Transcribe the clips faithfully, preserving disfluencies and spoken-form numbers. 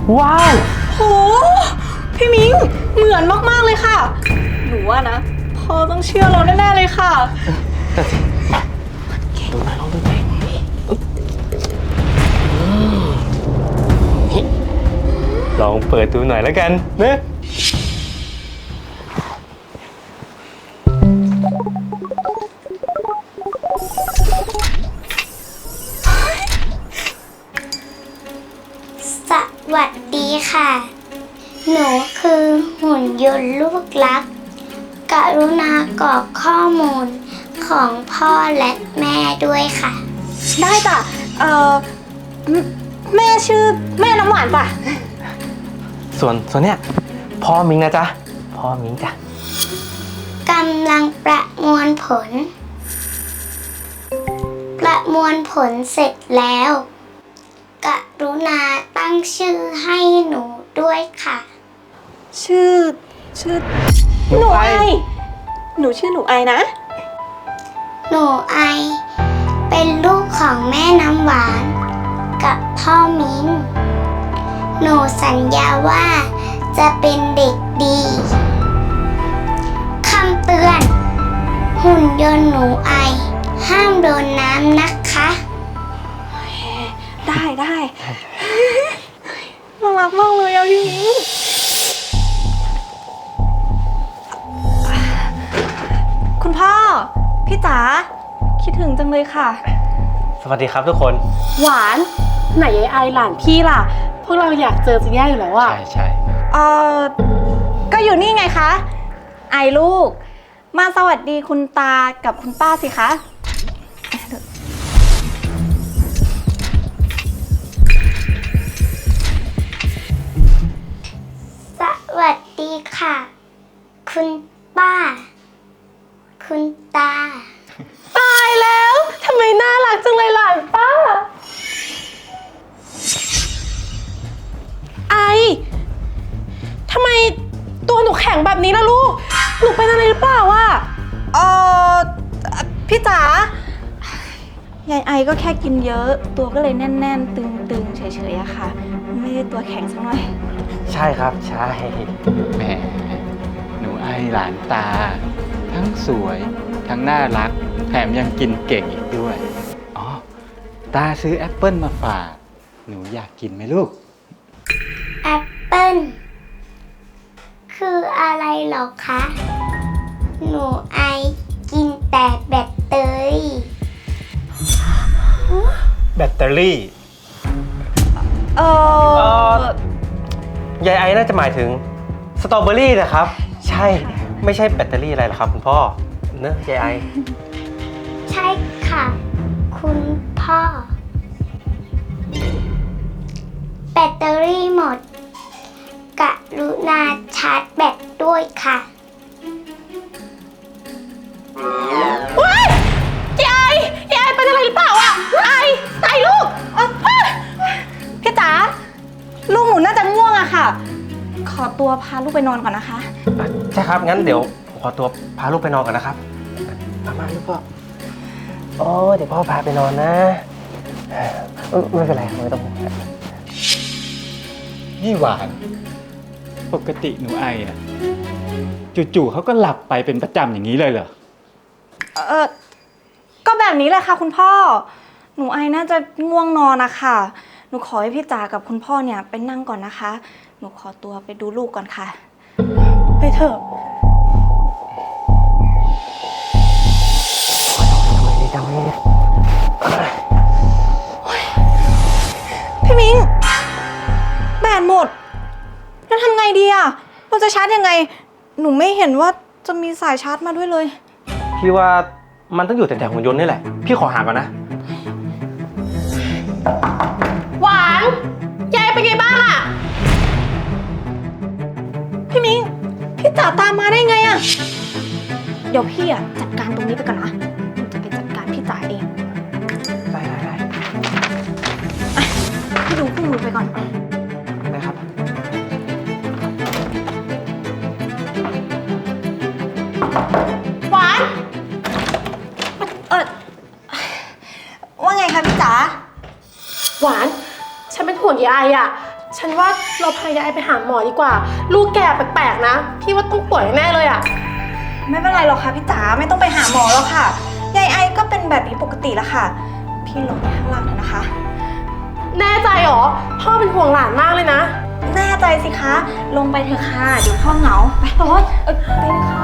ว้าวโหพี่มิ้งเหมือนมากๆเลยค่ะหนูว่านะพ่อต้องเชื่อเราแน่ๆเลยค่ะแต่สิดูหน่อยลองดูหน่อยลองเปิดดูหน่อยแล้วกันนะสวัสดีค่ะ หนูคือหุ่นยนต์ลูกรัก กรุณากรอกข้อมูลของพ่อและแม่ด้วยค่ะได้จ้ะเอ่อแม่ชื่อแม่น้ำหวานจ้ะส่วนส่วนเนี้ยพ่อมิงนะจ๊ะพ่อมิงจ้ะกำลังประมวลผล ประมวลผลเสร็จแล้ว กรุณาตั้งชื่อให้หนูด้วยค่ะชื่อชื่อหนูไอหนูชื่อหนูไอนะหนูไอเป็นลูกของแม่น้ำหวานกับพ่อมิ้นหนูสัญญาว่าจะเป็นเด็กดีคำเตือนหุ่นยนต์หนูไอห้ามโดนน้ำนะคะได้ได้น่ารักมากเลยอะพี่มิ้งคุณพ่อพี่จ๋าคิดถึงจังเลยค่ะสวัสดีครับทุกคนหวานไหนยายไอหลานพี่ล่ะพวกเราอยากเจอจะแย่อยู่แล้วอะใช่ใช่เออก็อยู่นี่ไงคะไอลูกมาสวัสดีคุณตากับคุณป้าสิคะสวัสดีค่ะคุณป้าคุณตาตายแล้วทำไมน่ารักจังเลยหลานป้าไอทำไมตัวหนูแข็งแบบนี้ล่ะลูกหนูเป็นอะไรหรือเปล่าวะเออพี่จ๋ายายไอก็แค่กินเยอะตัวก็เลยแน่นๆตึงๆเฉยๆอะค่ะไม่ได้ตัวแข็งสักหน่อยใช่ครับใช่แหมหนูไอหลานตาทั้งสวยทั้งน่ารักแถมยังกินเก่งอีกด้วยอ๋อตาซื้อแอปเปิ้ลมาฝากหนูอยากกินไหมลูกแอปเปิ้ลคืออะไรหรอคะหนูไอกินแต่แบตเตอรี่แบตเตอรี่เออยายไอน่าจะหมายถึงสตรอเบอรี่นะครับใช่ไม่ใช่แบตเตอรี่อะไรหรอกครับคุณพ่อเนอะยายไอใช่ค่ะคุณพ่อแบตเตอรี่หมดกรุณาชาร์จแบตด้วยค่ะว้ายยายยายเป็นอะไรหรือเปล่าอะไอไอลูกพี่จ๋าลูกหนูน่าจะง่วงอะค่ะขอตัวพาลูกไปนอนก่อนนะคะใช่ครับงั้นเดี๋ยวขอตัวพาลูกไปนอนก่อนนะครับมามาลูกพ่อโอ้เดี๋ยวพ่อพาไปนอนนะไม่เป็นไรไม่ต้องห่วงนี่หวานปกติหนูไออะจู่ๆเขาก็หลับไปเป็นประจำอย่างนี้เลยเหรอเออก็แบบนี้แหละค่ะคุณพ่อหนูไอน่าจะง่วงนอนนะคะหนูขอให้พี่จ๋ากับคุณพ่อเนี่ยไปนั่งก่อนนะคะหนูขอตัวไปดูลูกก่อนค่ะไปเถอะพี่มิ้งแบตหมดแล้วทำไงดีอ่ะเราจะชาร์จยังไงหนูไม่เห็นว่าจะมีสายชาร์จมาด้วยเลยพี่ว่ามันต้องอยู่แถวๆหุ่นยนต์นี่แหละพี่ขอหาก่อนนะหวานยายเป็นไงบ้างอะพี่มิ้งพี่จ๋าตามมาได้ไงอะเดี๋ยวพี่อะจัดการตรงนี้ไปก่อนนะหนูจะไปจัดการพี่จ๋าเองได้ได้ได้พี่ดูคู่มือไปก่อนได้ครับหวานเออว่าไงคะพี่จ๋าหวานฉันเป็นห่วงยายอะฉันว่าเราพายายไปหาหมอดีกว่า ลูกแกแปลกๆนะ พี่ว่าต้องป่วยแน่เลยอะไม่เป็นไรหรอกค่ะพี่จ๋าไม่ต้องไปหาหมอแล้วค่ะยายไอก็เป็นแบบนี้ปกติแล้วค่ะ พี่ลงไปข้างล่างเถอะนะคะแน่ใจเหรอ พ่อเป็นห่วงหลานมากเลยนะแน่ใจสิคะ ลงไปเถอะค่ะเดี๋ยวพ่อเหงาไปโอ๊ยเอ้ยไปเลยค่ะ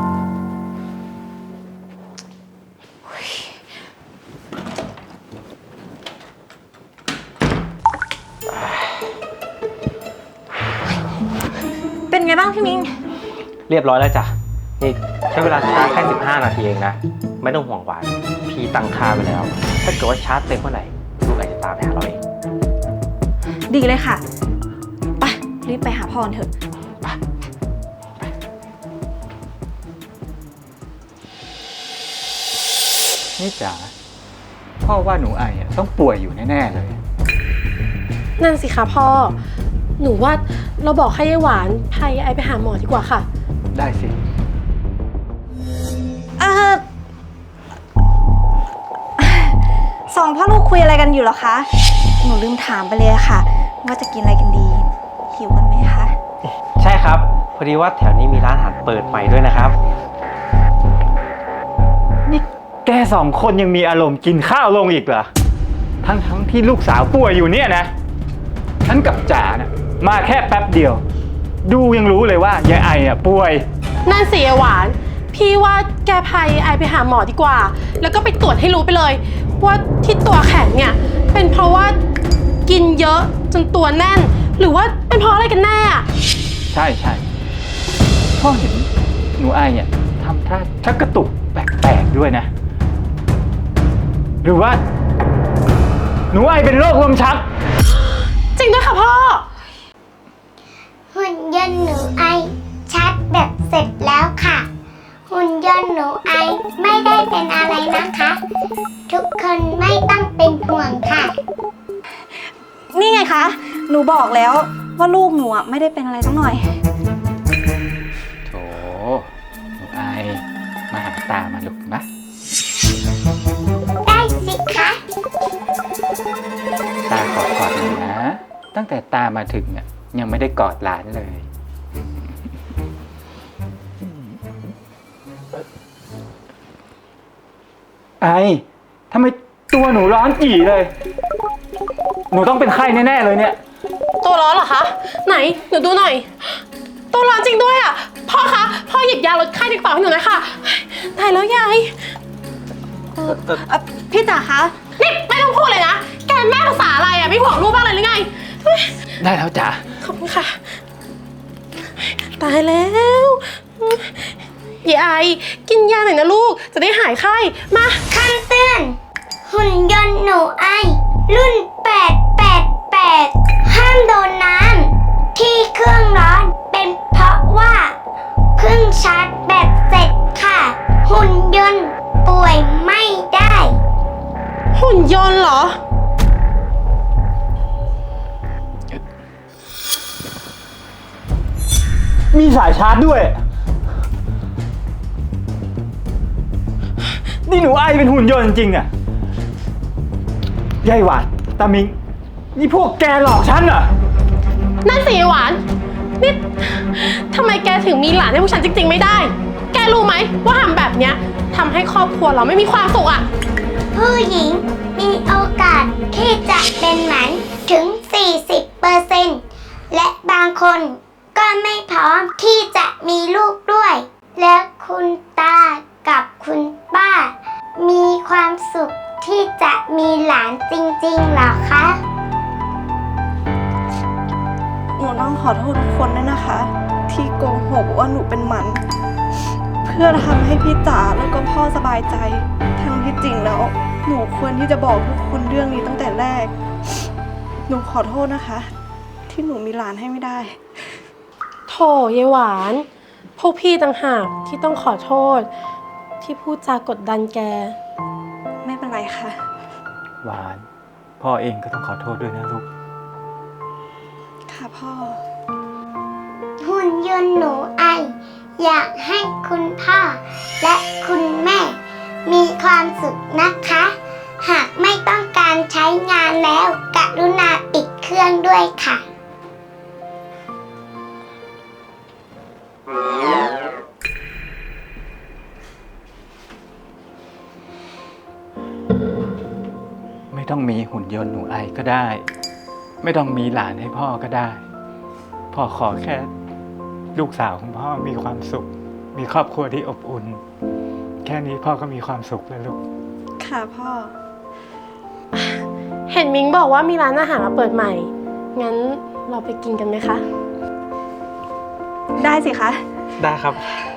เป็นไงบ้างพี่มิงเรียบร้อยแล้วจ้ะนี่ใช้เวลาชาร์จแค่สิบห้านาทีเองนะไม่ต้องห่วงหวานพี่ตั้งค่าไปแล้วถ้าเกิดว่าชาร์จเต็มเมื่อไหร่ลูกอาจจะตามไปหาเราเองดีเลยค่ะไปรีบไปหาพ่อกันเถอะนี่จ๋าพ่อว่าหนูไออะต้องป่วยอยู่แน่ๆเลยนั่นสิคะพ่อ หนูว่าเราบอกให้ยายหวานพายายไปหาหมอดีกว่าค่ะได้สิเอ่อสองพ่อลูกคุยอะไรกันอยู่เหรอคะ หนูลืมถามไปเลยอะค่ะ ว่าจะกินอะไรกันดี หิวกันไหมคะใช่ครับพอดีว่าแถวนี้มีร้านอาหารเปิดใหม่ด้วยนะครับนี่แกสองคนยังมีอารมณ์กินข้าวลงอีกเหรอ ทั้งทั้งที่ลูกสาวป่วยอยู่เนี่ยนะ ฉันกับจ๋านะมาแค่แป๊บเดียว ดูยังรู้เลยว่ายายไออ่ะป่วยนั่นสิยายหวาน พี่ว่าแกพายายไปหาหมอดีกว่า แล้วก็ไปตรวจให้รู้ไปเลย ว่าที่ตัวแข็งเนี่ยเป็นเพราะว่ากินเยอะจนตัวแน่น หรือว่าเป็นเพราะอะไรกันแน่อะใช่ใช่พ่อเห็นหนูไออ่ะทำท่าชักกระตุกแปลกๆด้วยนะ หรือว่า หนูไอเป็นโรคลมชักจริงด้วยค่ะพ่อหุ่นยนต์หนูไอชาร์จแบตเสร็จแล้วค่ะ หุ่นยนต์หนูไอไม่ได้เป็นอะไรนะคะ ทุกคนไม่ต้องเป็นห่วงค่ะนี่ไงคะ หนูบอกแล้วว่าลูกหนูอะไม่ได้เป็นอะไรสักหน่อยโถหนูไอมาหาตามาลูกนะได้สิคะตาขอกอดหน่อยนะ ตั้งแต่ตามาถึงเนี่ยยังไม่ได้กอดหลานเลย ไอทำไมตัวหนูร้อนจี่เลย หนูต้องเป็นไข้แน่ๆเลยเนี่ยตัวร้อนเหรอคะ ไหนหนูดูหน่อย ตัวร้อนจริงด้วยอ่ะ พ่อคะ พ่อหยิบยาลดไข้ในกระเป๋าให้หนูหน่อยค่ะตายแล้วยายเอ่อพี่จ๋าคะนี่ไม่ต้องพูดเลยนะ แกแม่ภาษาอะไรอ่ะ ไม่ห่วงลูกบ้างเลยหรือไงเฮ้ยได้แล้วจ๋าขอบคุณค่ะ ตายแล้วยายไอกินยาหน่อยนะลูก จะได้หายไข้ มาคำเตือน หุ่นยนต์หนูไอ รุ่น แปด แปด แปด ห้ามโดนน้ำที่เครื่องร้อนเป็นเพราะว่าเพิ่งชาร์จแบตเสร็จค่ะ หุ่นยนต์ป่วยไม่ได้หุ่นยนต์เหรอมีสายชาร์จด้วย นี่หนูไอเป็นหุ่นยนต์จริงๆอ่ะยายหวานตามิง นี่พวกแกหลอกฉันเหรอนั่นสิหวาน นี่ทำไมแกถึงมีหลานให้พวกฉันจริงๆไม่ได้ แกรู้ไหมว่าทำแบบเนี้ยทำให้ครอบครัวเราไม่มีความสุขอ่ะผู้หญิงมีโอกาสที่จะเป็นหมันถึง สี่สิบเปอร์เซ็นต์ และบางคนก็ไม่พร้อมที่จะมีลูกด้วย และคุณตากับคุณป้า มีความสุขที่จะมีหลานจริงๆเหรอคะหนูต้องขอโทษทุกคนด้วยนะคะ ที่โกหกว่าหนูเป็นหมัน เพื่อทำให้พี่จ๋าแล้วก็พ่อสบายใจทั้งที่จริงแล้ว หนูควรที่จะบอกทุกคนเรื่องนี้ตั้งแต่แรก หนูขอโทษนะคะ ที่หนูมีหลานให้ไม่ได้โถยายหวาน พวกพี่ต่างหากที่ต้องขอโทษ ที่พูดจากดดันแกไม่เป็นไรค่ะหวาน พ่อเองก็ต้องขอโทษด้วยนะลูกค่ะพ่อหุ่นยนต์หนูไอ อยากให้คุณพ่อและคุณแม่ มีความสุขนะคะ หากไม่ต้องการใช้งานแล้ว กรุณาปิดเครื่องด้วยค่ะต้องมีหุ่นยนต์หนูไอก็ได้ ไม่ต้องมีหลานให้พ่อก็ได้ พ่อขอแค่ลูกสาวของพ่อมีความสุข มีครอบครัวที่อบอุ่น แค่นี้พ่อก็มีความสุขแล้วลูกค่ะพ่อเห็นมิงบอกว่ามีร้านอาหารมาเปิดใหม่ งั้นเราไปกินกันไหมคะได้สิคะได้ครับค